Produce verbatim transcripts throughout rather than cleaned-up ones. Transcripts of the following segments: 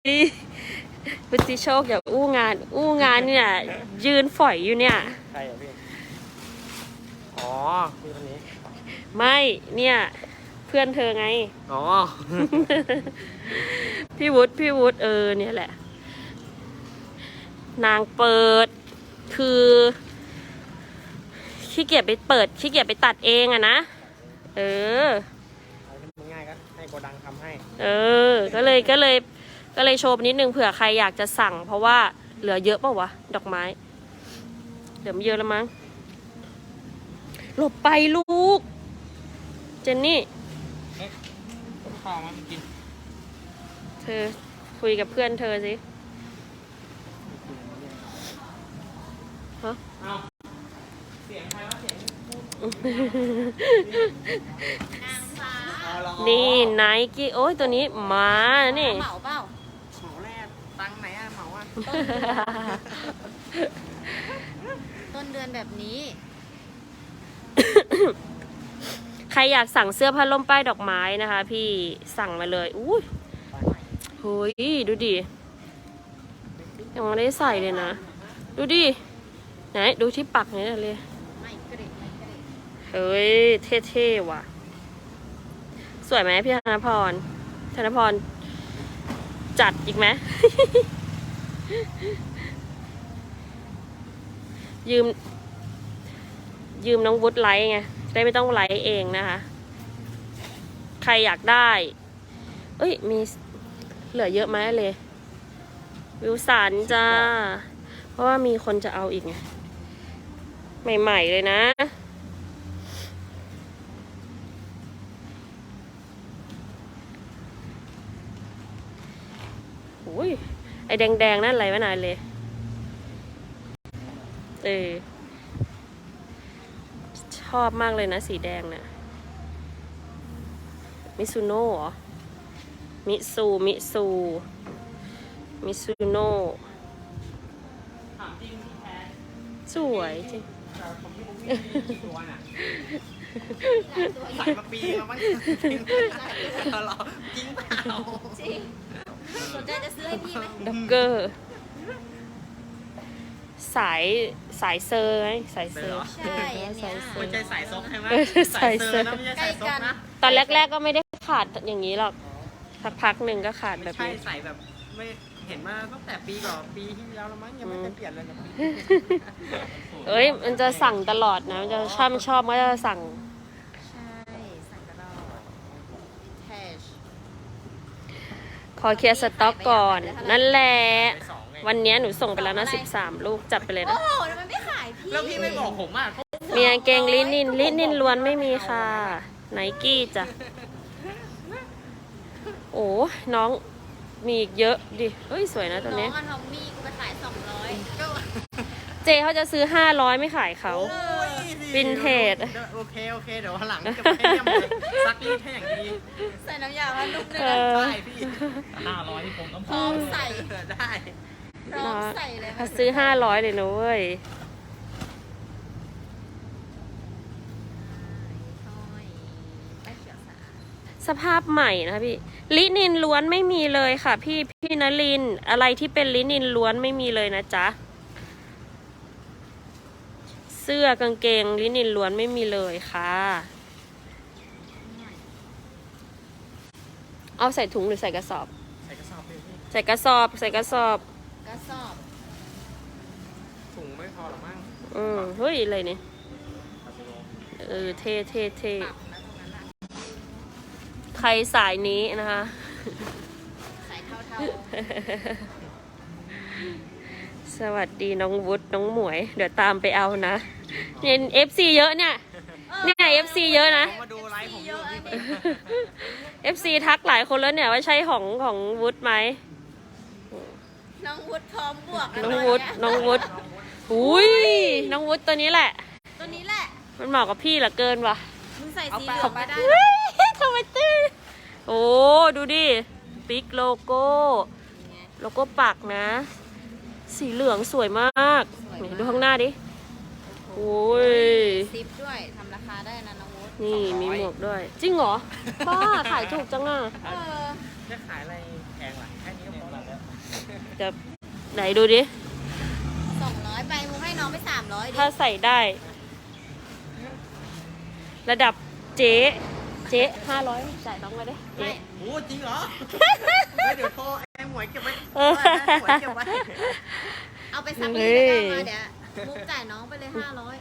พุทธิโชคอย่าอู้งานอู้งานเนี่ยยืนฝอยอยู่เนี่ยใครอ่ะพี่อ๋อพี่คนนี้ไม่เนี่ยเพื่อนเธอไงอ๋อพี่วุฒิพี่วุฒิเออเนี่ยแหละนางเปิดคือขี้เกียจไปเปิดขี้เกียจไปตัดเองอะนะเออง่ายก็ให้โกดังทำให้เออก็เลยก็เลยก็เลยโชว์นิดนึงเผื่อใครอยากจะสั่งเพราะว่าเหลือเยอะเปล่าวะดอกไม้เหลือไม่เยอะแล้วมั้งหลบไปลูกเจนนี่ข้าวมากินเธอคุยกับเพื่อนเธอสิฮะเสียงใครวะเสียงนี่ไนกี้โอ้ยตัวนี้มานี่เหมาเปล่าเหมาแรกตังไหนอะเหมาอะต้นเดือนแบบนี้ใครอยากสั่งเสื้อผ้าล่มป้ายดอกไม้นะคะพี่สั่งมาเลยอุ้ยเฮ้ยดูดิยังไม่ได้ใส่เลยนะดูดิไหนดูที่ปักนี่เลยเฮ้ยเท่ๆว่ะสวยไหมพี่ธนพรธนพรจัดอีกไหม ยืมยืมน้องวุฒิไลท์ไงได้ไม่ต้องไลท์เองนะคะใครอยากได้เอ้ยมีเหลือเยอะไหมเลยวิวสันจ้าเพราะว่ามีคนจะเอาอีกไงใหม่ๆเลยนะโอ้ยไอแดงๆนั่นอะไรวะนายเลยเออชอบมากเลยนะสีแดงน่ะมิซูโน่เหรอมิซูมิซูมิซูโน่สวยจริงใส่มาปีแล้วมั้งเราจริงเปล่าจริงสนใจจะซื้อให้พี่ไหมด็อกเกอร์สายสายเซอร์ไหมสายเซอร์ใช่สายเซอร์ไม่ใช่สายซกใช่ไหมสายเซอร์นะไม่ใช่สายซกนะตอนแรกๆก็ไม่ได้ขาดอย่างนี้หรอกสักพักหนึ่งก็ขาดแบบนี้นี้ใช่ใส่แบบไม่เห็นมาตั้งแต่ปีก่อนปีที่แล้วแล้วมั้งยังไม่ได้เปลี่ยนเลยนะเอ้ยมันจะสั่งตลอดนะมันจะชอบชอบก็จะสั่งใช่สั่งตลอดแคชขอเคลียร์สต็อกก่อนนั่นแหละวันนี้หนูส่งไปแล้วนะสิบสามลูกจัดไปเลยนะโอ้โหทำไมไม่ขายพี่แล้วพี่ไม่บอกผมอ่ะมีกางเกงลินินลินินล้วนไม่มีค่ะไนกี้จ้ะโอ้น้องมีอีกเยอะดิเฮ้ยสวยนะตัวนี้น้องอันทอมมี่กูไปขายสองร้อยเจเขาจะซื้อห้าร้อยไม่ขายเขาวินเทจโอเคโอเคเดี๋ยวหลังจะไปเยี่ยมเลยซักรีดให้อย่างดีใส่น้ำยาว่านุ่มเลยนะใช่พี่ห้าร้อยที่ผมต้องพร้อมใส่ได้พร้อมใส่เลยเขาซื้อห้าร้อยเลยนะเว้ยสภาพใหม่นะคะพี่ลินินล้วนไม่มีเลยค่ะพี่พี่นลินอะไรที่เป็นลินินล้วนไม่มีเลยนะจ๊ะเสื้อกางเกงลินินล้วนไม่มีเลยค่ะเอาใส่ถุงหรือใส่กระสอบใส่กระสอบเลยพี่ใส่กระสอบใส่กระสอบกระสอบถุงไม่พอหรอมั้งอืมเฮ้ยอะไรเนี่ยเออเท่เท่เท่ใครสายนี้นะคะสายเท่าๆสวัสดีน้องวุฒิน้องหมวยเดี๋ยวตามไปเอานะเนี่ยเอฟซีเยอะเนี่ยเนี่ยเอฟซีเยอะนะมาดูไลฟ์ผมเยอะเอฟซีทักหลายคนแล้วเนี่ยว่าใช่ของของวุฒิไหมน้องวุฒิพร้อมบวกน้องวุฒิน้องวุฒิอุ้ยน้องวุฒิตัวนี้แหละตัวนี้แหละมันเหมาะกับพี่เหลือเกินว่ะมึงใส่สีเหลืองไม่ได้ทำไมตื้อโอ้ดูดิปิ๊กโลโก้โลโก้ปักนะสีเหลืองสวยมากดูข้างหน้าดิโอ้ยซิปด้วยทำราคาได้นะน้องวุฒินี่มีหมวกด้วยจริงเหรอบ้าขายถูกจังอ่ะเออจะขายอะไรแพงล่ะแค่นี้ก็พอแล้วจะไหนดูดิสองร้อยไปมุกให้น้องไปสามร้อยดิถ้าใส่ได้ ระดับเจ๊เจ๊ห้าร้อยจ่ายน้องมาดิเจ๊ไม่โอ้จริงเหรอเฮ้ยเดี๋ยวโทรไอ้หมวยเก็บไว้หมวยเก็บไว้เอาไปซับรีดแล้วก็มาเดี๋ยวมุกจ่ายน้องไปเลยห้าร้อย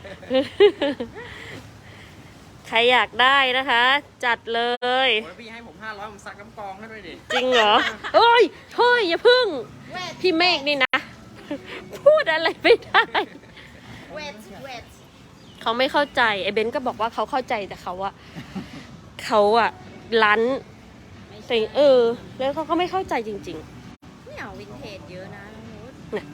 ใครอยากได้นะคะ จัดเลยโอ้ยพี่ให้ผมห้าร้อยผมซักน้ำกรองให้ด้วยดิจริงเหรอเฮ้ยเฮ้ยอย่าพึ่งเวทพี่เมฆนี่นะ พูดอะไรไม่ได้เวทเวทเขาไม่เข้าใจไอ้เบนก็บอกว่าเขาเข้าใจแต่เขาอะเขาอะลั้นแต่เออ แล้วเขาก็ไม่เข้าใจจริงไม่เอาวินเทจเยอะนะน้องนุชๆนะ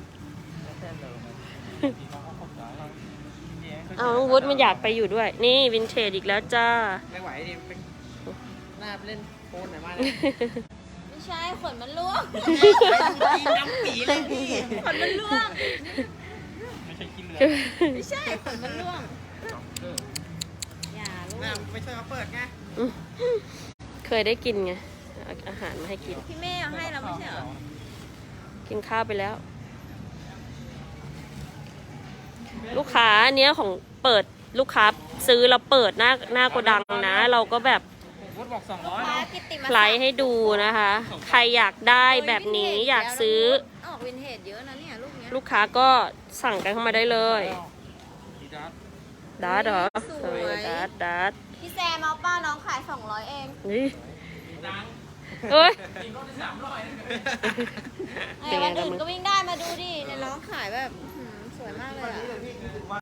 เอาน้องวุฒิมันอยากไปอยู่ด้วย นี่วินเทจอีกแล้วจ้าไม่ไหวดิไปหน้าไปเล่นโฟนหน่อยมาเลยไม่ใช่ขนมันร่วงไปดูน้ำปีเลยพี่ขนมันร่วงไม่ใช่กินเลยไม่ใช่ขนมันร่วงอย่าลูกน้าไม่ช่วยมาเปิดไงเคยได้กินไงเอาอาหารมาให้กินพี่เมย์เอาให้เราไม่ใช่เหรอกินข้าวไปแล้ว ลูกค้าอันเนี้ยของเปิดลูกค้าซื้อเราเปิดหน้าหน้าโกดังนะ เราก็แบบวุฒิบอกสองร้อยฟ้ากิตติมาไลฟ์ให้ดูนะคะ ใครอยากได้แบบนี้อยากซื้อออกวินเทจเยอะนะเนี่ยลูกเนี้ยลูกค้าก็สั่งกันเข้ามาได้เลยดีดัสดัดเหรอสเอวอย ดัดดัดพี่แซมเอาป้าน้องขายสองร้อยเองนี่เอ้ยไอ้วันอื่นก็วิ่งได้มาดูดิเนี่ยน้องขายแบบอื้อหือสวยมากเลยอะ